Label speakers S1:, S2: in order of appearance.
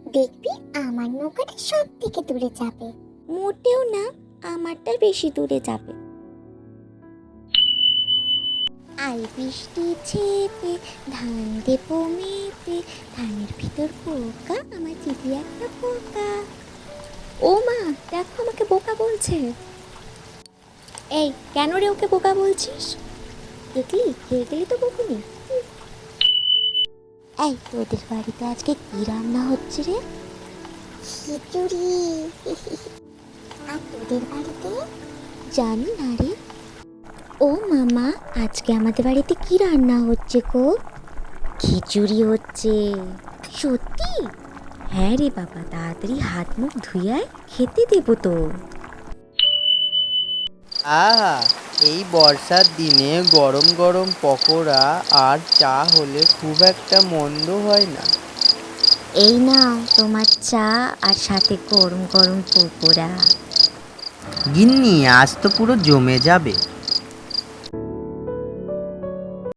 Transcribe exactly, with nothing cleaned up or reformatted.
S1: দেখবি আমার নৌকাটা সব থেকে দূরে যাবে।
S2: মোটেও না, আমারটা বেশি দূরে যাবে। আই বৃষ্টি ছেপে ধান দেবো মেপে, ধানের ভিতর পোকা, আমার দিদি একটা পোকা। ও মা, দেখো আমাকে বোকা বলছে। এই, কেন রে ওকে বোকা বলছিস? দেখলি, খেয়ে গেলি তো বকুনি। এই, তোদের বাড়িতে আজকে কি রান্না হচ্ছে রে?
S1: খিচুড়ি। আর তোদের বাড়িতে?
S2: জানি না রে। ও মামা, আজকে আমাদের বাড়িতে কি রান্না হচ্ছে গো? খিচুড়ি হচ্ছে। সত্যি? হ্যাঁ রে বাবা, তাড়াতাড়ি হাত মুখ ধুয়ে আয়, খেতে দেবো তো।
S3: আহা, এই বর্ষার দিনে গরম গরম পকোড়া আর চা হলে খুব একটা মন্দ হয় না।
S2: এই নাও তোমার চা, আর সাথে গরম গরম পকোড়া।
S3: গিন্নি, আজ তো পুরো জমে যাবে।